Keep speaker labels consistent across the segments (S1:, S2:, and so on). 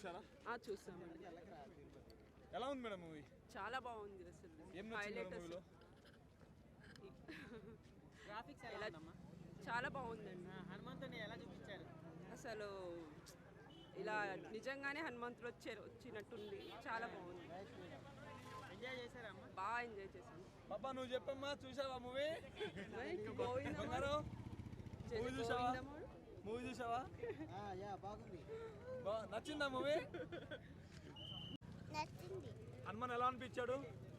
S1: చూసారా?
S2: చూసామండి.
S1: ఎలా ఉంది మేడం మూవీ?
S2: చాలా బాగుంది అసలు.
S1: ఏం నచ్చింది మూవీలో?
S3: గ్రాఫిక్స్ ఎలా ఉందమ్మా?
S2: చాలా బాగుందండి.
S3: హనుమంతుని ఎలా చూపించారు?
S2: అసలు ఇలా నిజంగానే హనుమంతుడు వచ్చినట్టుంది. చాలా బాగుంది.
S3: ఎంజాయ్ చేశారమ్మా?
S2: బాగా ఎంజాయ్ చేశాను.
S1: పాపా నువ్వు చెప్పమ్మా, చూసావా మూవీ? మూవీ చూసావా?
S3: బాగుంది.
S1: నచ్చిందా మూవీ?
S4: నచ్చింది.
S1: హనుమాన్ ఎలా అనిపించాడు?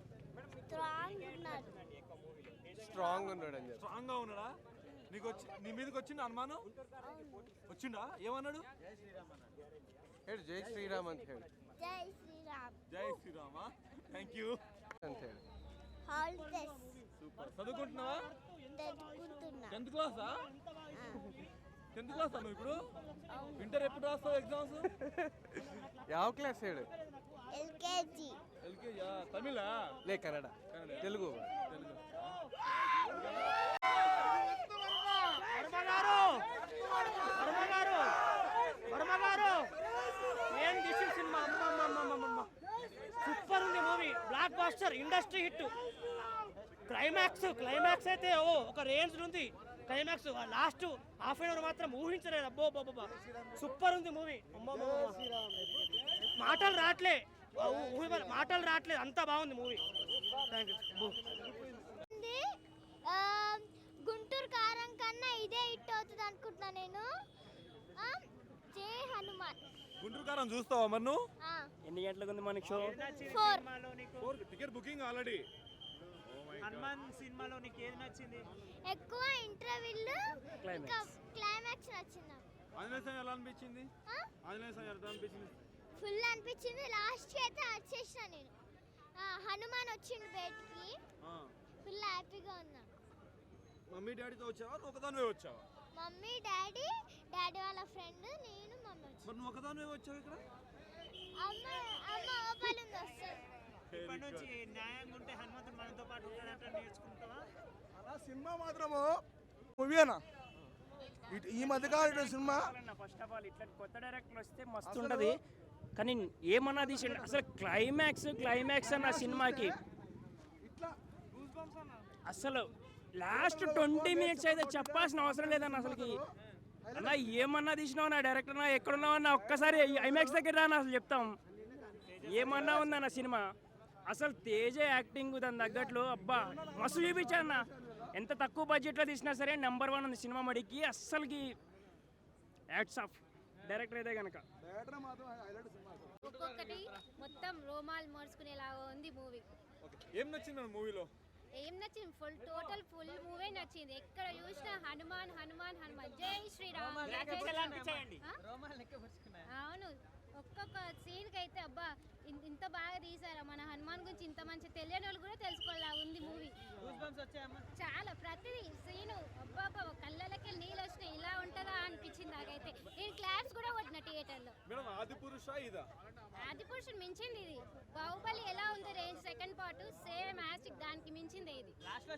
S5: స్ట్రాంగ్ ఉన్నాడు.
S1: స్ట్రాంగ్ గా ఉన్నాడా? నీకు నీ మీదకి వచ్చిండు హనుమాను? వచ్చిండా? ఏమన్నాడు?
S5: జై శ్రీరామ్ ಅಂತ ಹೇಳಿ.
S4: జై శ్రీరామ్.
S1: జై శ్రీరామా? థ్యాంక్ యూ
S5: ಅಂತ ಹೇಳಿ.
S4: హాలిడేస్.
S1: సూపర్. చదువుకుంటున్నావా?
S4: చదువుకుంటున్నా.
S1: 10th క్లాసా? 10th క్లాసా నువ్వు ఇప్పుడు? ఇంటర్ ఎప్పుడు రాస్తావు ఎగ్జామ్స్?
S5: ಯಾವ ಕ್ಲಾಸ್ ಹೇಳು?
S4: ఎల్కేజీ.
S1: ఎల్కేజీ. తమిళా?
S5: లే కన్నడ. తెలుగు.
S3: ఏం తీసిన సినిమా! సూపర్ ఉంది movie. Blockbuster, industry hit. Climax అయితే ఒక రేంజ్ ఉంది. Climax last half an hour మాత్రం ఊహించలేదు. అబ్బో సూపర్ ఉంది మూవీ. మాటలు రావట్లేదు, అంతా బాగుంది మూవీ.
S4: గుంటూరు కారం కన్నా ఇదే హిట్ అవుతుంది అనుకుంటున్నా నేను. జై హనుమాన్.
S1: గుంటూరు కారం చూస్తావా మరి నువ్వు?
S3: ఎన్ని గంటలకు ఉంది మనకి show?
S4: 4.
S1: Ticket booking already.
S3: Hanuman సినిమాలో నీకు ఏది నచ్చింది?
S4: ఎక్కువ ఇంటర్వ్యూలు, క్లైమాక్స్ నచ్చింది.
S1: ఆంజనేయ స్వామి ఎలా అనిపించింది? ఆంజనేయ స్వామి ఎలా అనిపించింది?
S4: ఫుల్ అనిపించింది. లాస్ట్ అయితే వచ్చేసిన నేను. హనుమాన్ వచ్చిండు బయటికి. ఫుల్ హ్యాపీగా ఉన్నా.
S1: మమ్మీ డాడీతో వచ్చావా? ఒకదానివే వచ్చావా?
S4: మమ్మీ డాడీ వాళ్ళ ఫ్రెండ్, నేను మమ్మీ వచ్చాను.
S1: మరి నువ్వు ఒకదానివే వచ్చావు ఇక్కడ?
S4: అమ్మ ఓపాలింది వస్తుంది.
S3: ఇప్పటి నుంచి న్యాయంగా ఉంటే హనుమంతుడు మనతో పాటు ఉంటాడంటే నేర్చుకుంటావా?
S6: అలా సినిమా మాత్రము మూవీనా ఈ మధ్యకాలం సినిమా.
S3: ఫస్ట్ ఆఫ్ ఆల్ ఇట్లా కొత్త డైరెక్టర్ వస్తే మస్తు ఉంటుంది. కానీ ఏమన్నా తీసిండు అసలు క్లైమాక్స్ అన్న సినిమాకి. అసలు లాస్ట్ 20 minutes అయితే చెప్పాల్సిన అవసరం లేదన్న. అసలుకి అన్న ఏమన్నా తీసినావు నా డైరెక్టర్, నా ఎక్కడున్నావు అన్న ఒక్కసారి ఐమాక్స్ దగ్గర రాని అసలు చెప్తాం. ఏమన్నా ఉందన్న సినిమా. అసలు తేజ యాక్టింగ్ దాని తగ్గట్లు అబ్బా మస్తు చూపించాన్న. ఎంత తక్కువ బడ్జెట్లో తీసినా సరే నెంబర్ 1 ఉంది సినిమా మడికి. అస్సలకి యాడ్స్ ఆఫ్ డైరెక్టర్ అయితే కనుక.
S7: ఒక్కొక్కటి మొత్తం రోమాలు మోసుకునేలాగా ఉంది మూవీ.
S1: ఏం నచ్చింది మూవీలో?
S7: ఏం నచ్చింది? టోటల్ ఫుల్ మూవీ నచ్చింది. ఎక్కడ చూసినా హనుమాన్. జై శ్రీరామ్. అవును, ఒక్కొక్క సీన్కి అయితే అబ్బా ఇంత బాగా తీసారా, మన హనుమాన్ గురించి ఇంత మంచి తెలియని వాళ్ళు కూడా తెలుసుకోవాలా ఉంది మూవీ. చాలా ప్రతిదీ సీను అబ్బా కళ్ళకి నీళ్ళు వచ్చినాయి. ఇలా ఉంటుందా అనిపించింది నాకైతే. నేను క్లాప్స్ కూడా కొట్టిన థియేటర్లో. ఆదిపురుషుడు మించింది ఇది. బాహుబలి ఎలా ఉంది రేంజ్ సెకండ్ పార్ట్ సేమ్ యాస్టిక్ దానికి మించింది ఇది.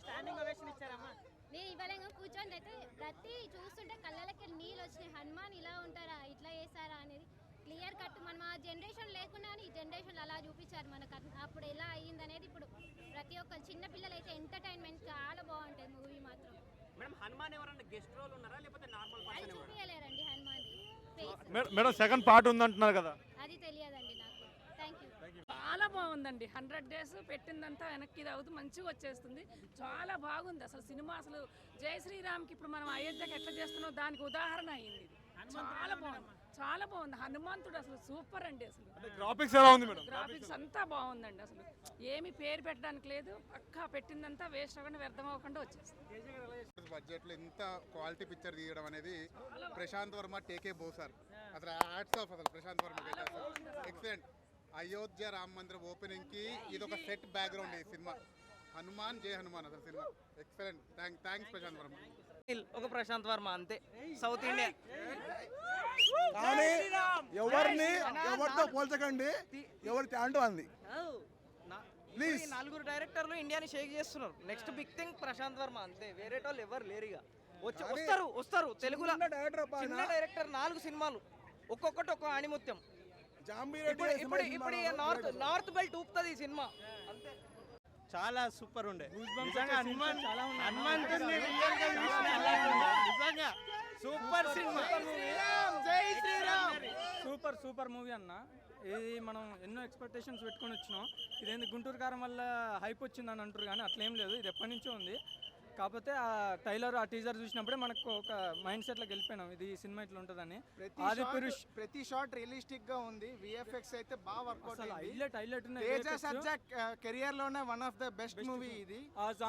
S7: నేను ఇవ్వలేక కూర్చొని అయితే ప్రతి చూస్తుంటే కళ్ళకి నీళ్ళు వచ్చినాయి. హనుమాన్ ఇలా ఉంటారా, ఇట్లా చేస్తారా అనేది క్లియర్ కట్. మనం ఆ జనరేషన్ లేకుండా ఈ జనరేషన్ అలా చూపించారు మనకు. అప్పుడు ఎలా అయ్యింది అనేది ఇప్పుడు ప్రతి ఒక్క చిన్న పిల్లలు అయితే ఎంటర్టైన్మెంట్ చాలా బాగుంటుంది మూవీ మాత్రం.
S3: హనుమాన్ ఎవరన్నా గెస్ట్ రోల్ ఉన్నారా లేకపోతే నార్మల్
S7: అది చూపించలేరండి హనుమాన్.
S1: మేడం సెకండ్ పార్ట్ ఉందంటున్నారు కదా?
S7: అది తెలియదండి నాకు. Thank you.
S2: చాలా బాగుందండి. 100 days పెట్టిందంతా వెనక్కి ఇది అవుతూ మంచిగా వచ్చేస్తుంది. చాలా బాగుంది అసలు సినిమా. అసలు జై శ్రీరామ్కి ఇప్పుడు మనం అయోధ్యకి ఎట్లా చేస్తున్నాం దానికి ఉదాహరణ అయింది. చాలా బాగుంది. హనుమంతుడు అసలు సూపర్ అండి. అసలు
S1: గ్రాఫిక్స్ ఎలా ఉంది మేడం?
S2: గ్రాఫిక్స్ అంతా బాగుందండి. అసలు ఏమి పేరు పెట్టడానికి లేదు. పక్కా పెట్టిందంతా వేస్ట్ అవ్వకుండా వ్యర్థం అవ్వకుండా వచ్చేస్తుంది.
S8: బడ్జెట్లో ఇంత క్వాలిటీ పిక్చర్ తీయడం అనేది ప్రశాంత్ వర్మ టేకే బోసార్. అసలు హ్యాట్స్ ఆఫ్ అసలు ప్రశాంత్ వర్మ ఎక్సలెంట్. అయోధ్య రామ మందిరం ఓపెనింగ్ కి ఇది ఒక సెట్ బ్యాక్గ్రౌండ్ ఈ సినిమా. హనుమాన్ జై హనుమాన్ అసలు సినిమా ఎక్సలెంట్. థ్యాంక్స్ ప్రశాంత్ వర్మ.
S3: ఒక ప్రశాంత్ వర్మ అంతే సౌత్ ఇండియా.
S6: కానీ ఎవరితో పోల్చకండి, ఎవరి టాలెంట్ అంది. ప్లీజ్
S3: 4 డైరెక్టర్లు ఇండియాని షేక్ చేస్తున్నారు. Next big thing Prashanth Varma అంతే. వేరే వాళ్ళు ఎవరు లేరు. ఇక వస్తారు తెలుగులో చిన్న డైరెక్టర్ 4 సినిమాలు ఒక్కొక్కటి ఒక్క ఆణిముత్యం.
S6: జాంబీ
S3: ఇప్పుడు ఇప్పుడు ఇప్పుడు ఈ నార్త్ బెల్ట్ ఊపుతుంది ఈ సినిమా అంతే.
S5: చాలా సూపర్ ఉండే
S3: నిజంగా హనుమంతుడిని నిజంగా సూపర్ సినిమా. జై శ్రీరామ్.
S9: సూపర్ మూవీ అన్న. ఇది మనం ఎన్నో ఎక్స్పెక్టేషన్స్ పెట్టుకొని వచ్చినాం. ఇదేంది గుంటూరు కారం వల్ల హైప్ వచ్చిందని అంటారు కానీ అట్లేం లేదు, ఇది ఎప్పటి నుంచో ఉంది. కాకపోతే ఆ టైలర్ ఆ టీజర్ చూసినప్పుడే మనకు ఒక మైండ్ సెట్లోకి వెళ్ళిపోయినాం ఇది సినిమా ఇట్లా ఉంటుందని. ఆది పురుష్
S3: ప్రతి షాట్ రియలిస్టిక్ గా ఉంది. విఎఫ్ఎక్స్ అయితే బాగా వర్కౌట్
S9: అసలు హైలైట్
S3: తేజ సజ్జా కెరియర్ లోనే one of the best movie ఇది.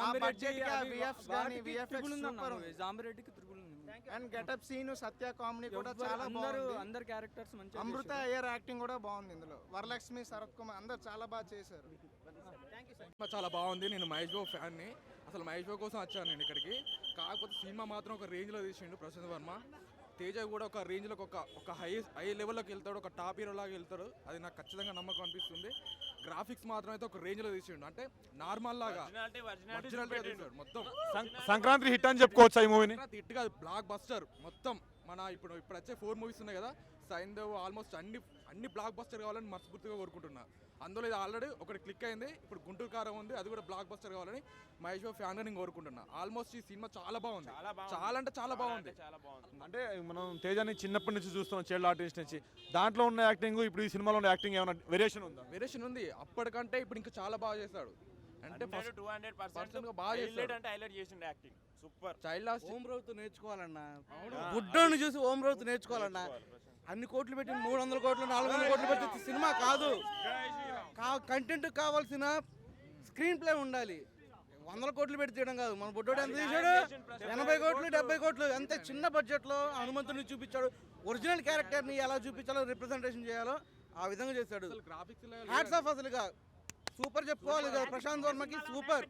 S9: జాంబిరెడ్డికి త్రిబుల్ ఉంది.
S3: And getup scene Satya comedy కూడా చాలా బాగుంది.
S9: అందరు క్యారెక్టర్స్ మంచిగా
S3: అమృత అయ్యర్ యాక్టింగ్ కూడా బాగుంది ఇందులో. వరలక్ష్మి, శరత్ కుమార్ అందరు చాలా బాగా చేశారు.
S1: చాలా బాగుంది. నేను మహేష్ బాబు ఫ్యాన్ని. అసలు మహేష్ బాబు కోసం వచ్చాను నేను ఇక్కడికి. కాకపోతే సినిమా మాత్రం ఒక రేంజ్లో తీసిండు ప్రశాంత్ వర్మ. తేజ కూడా ఒక రేంజ్లోకి ఒక హై లెవెల్లోకి వెళ్తాడు, ఒక టాప్ హీరో లాగా వెళ్తాడు. అది నాకు ఖచ్చితంగా నమ్మకం అనిపిస్తుంది. గ్రాఫిక్స్ మాత్రం అయితే ఒక రేంజ్లో తీసిండు, అంటే నార్మల్ లాగా ఒరిజినాలిటీగా తీసాడు మొత్తం.
S6: సంక్రాంతి హిట్ అని చెప్పుకోవచ్చు ఈ మూవీని.
S1: హిట్ కాదు, బ్లాక్ బస్టర్ మొత్తం. మన ఇప్పుడు వచ్చే 4 మూవీస్ ఉన్నాయి కదా, సైంధవ్ ఆల్మోస్ట్ అన్ని బ్లాక్ బస్టర్ కావాలని మనస్ఫూర్తిగా కోరుకుంటున్నా. అందులో ఇది ఆల్రెడీ ఒకటి క్లిక్ అయింది. ఇప్పుడు గుంటూరు కారం ఉంది, అది కూడా బ్లాక్ బస్టర్ కావాలని మహేష్ బాబు ఫ్యాన్గా నేను కోరుకుంటున్నా. ఆల్మోస్ట్ ఈ సినిమా చాలా బాగుంది, చాలా అంటే చాలా బాగుంది.
S6: అంటే మనం తేజాని చిన్నప్పటి నుంచి చూస్తున్నాం, చైల్డ్ ఆర్టిస్ట్ నుంచి. దాంట్లో ఉన్న యాక్టింగ్ ఇప్పుడు ఈ సినిమాలో ఉన్న యాక్టింగ్ ఏమైనా వేరియేషన్ ఉందా?
S1: వేరియేషన్ ఉంది. అప్పటికంటే ఇప్పుడు ఇంకా చాలా బాగా చేస్తాడు. అంటే 200% బాగా చేస్తాడు.
S5: అంటే హైలైట్ చేసిండు acting super.
S1: Child artist
S10: Om Raut నేర్చుకోవాలన్నా. బుడ్డోని చూసి ఓం రౌత్ నేర్చుకోవాలన్నా. అన్ని కోట్లు పెట్టి 300 కోట్లు 400 కోట్లు పెట్టి సినిమా కాదు. కంటెంట్ కావాల్సిన స్క్రీన్ ప్లే ఉండాలి. 100 కోట్లు పెట్టి తీయడం కాదు. మన బుడ్డోడు ఎంత తీసాడు? 80 కోట్లు 70 కోట్లు. అంతే చిన్న బడ్జెట్లో హనుమంతుని చూపించాడు. ఒరిజినల్ క్యారెక్టర్ని ఎలా చూపించాలో, రిప్రజెంటేషన్ చేయాలో ఆ విధంగా చేశాడు. Hats off. అసలుగా సూపర్ చెప్పుకోవాలి కదా ప్రశాంత్ వర్మకి. సూపర్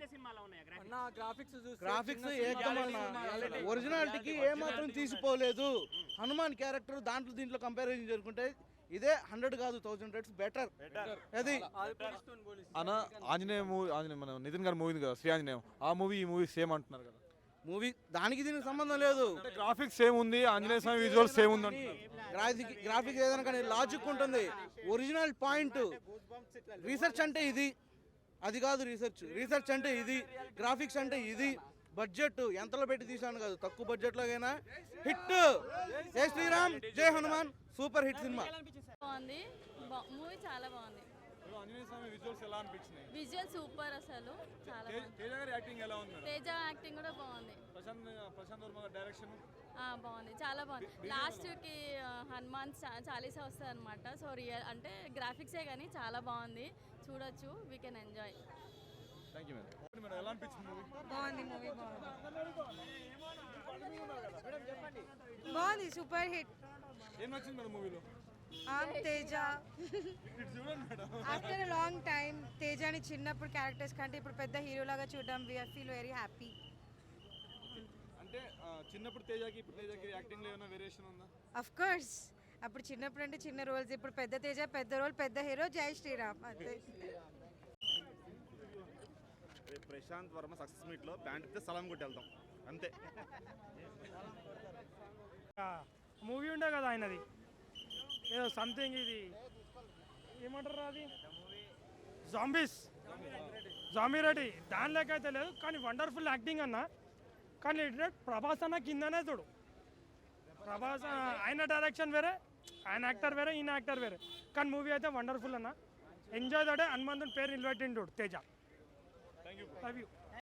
S10: గ్రాఫిక్స్ ఒరిజినాలిటీకి ఏమాత్రం తీసిపోలేదు. హనుమాన్ క్యారెక్టర్ దీంట్లో కంపారిజన్ చేసుకుంటే ఇదే 100 కాదు 1000 రేట్స్ బెటర్. అది
S6: అన్న ఆంజనేయ మూవీ, మన నితిన్ గారి మూవీ కదా శ్రీ ఆంజనేయం, ఆ మూవీ ఈ మూవీ సేమ్ అంటున్నారు కదా.
S3: మూవీ దానికి దీనికి సంబంధం లేదు.
S6: గ్రాఫిక్స్ సేమ్ ఉంది, ఆంజనేయ స్వామి విజువల్స్ సేమ్ ఉంది.
S3: గ్రాఫిక్స్ ఏదైనా కానీ లాజిక్ ఉంటుంది. ఒరిజినల్ పాయింట్ రీసెర్చ్ అంటే ఇది, అది కాదు రీసెర్చ్ అంటే ఇది, గ్రాఫిక్స్ అంటే ఇది. బడ్జెట్ ఎంతలో పెట్టి తీసాను కాదు, తక్కువ బడ్జెట్లో అయినా hit. Jai Sriram, Jai Hanuman. Super hit సినిమా.
S11: బాగుంది, మూవీ చాలా బాగుంది. విజువల్ సూపర్ అసలు చాలా బాగుంది. తేజ యాక్టింగ్ కూడా బాగుంది. బాగుంది, చాలా బాగుంది. లాస్ట్కి హనుమాన్ చాలీసా వస్తుంది అనమాట. సో రియల్ అంటే గ్రాఫిక్సే కానీ చాలా బాగుంది, చూడొచ్చు. We can enjoy.
S12: బాగుంది మూవీ, బాగుంది. Super hit. Teja after long time తేజాని చిన్నప్పుడు క్యారెక్టర్స్ కంటే ఇప్పుడు పెద్ద హీరోలాగా చూడడం వి ఫీల్ వెరీ హ్యాపీ.
S6: అంటే చిన్నప్పుడు తేజకి ఇప్పుడు తేజకి యాక్టింగ్ లో ఏమైనా వేరియేషన్ ఉందా?
S12: Of course. అప్పుడు చిన్నప్పుడు అంటే చిన్న రోల్స్, ఇప్పుడు పెద్ద తేజ పెద్ద రోల్, పెద్ద హీరో. జై శ్రీరామ్. అంతే.
S13: ప్రశాంత్ వర్మ సక్సెస్ మీట్ లో ప్యాంట్ ఇస్తే సలాం కొట్టి వెళ్తాం అంతే.
S3: మూవీ ఉండే కదా ఆయనది ఏదో సంథింగ్, ఇది ఏమంటారు అది, జాంబీ రెడ్డి. దాని లెక్క అయితే లేదు కానీ వండర్ఫుల్ యాక్టింగ్ అన్న. కానీ ప్రభాస్ అన్న కిందనే చూడు. ప్రభాస్ ఆయన డైరెక్షన్ వేరే, ఆయన యాక్టర్ వేరే, ఈయన యాక్టర్ వేరే. కానీ మూవీ అయితే వండర్ఫుల్ అన్న. Enjoy that. హనుమంతుని పేరు నిలబెట్టిండు తేజ. Love you.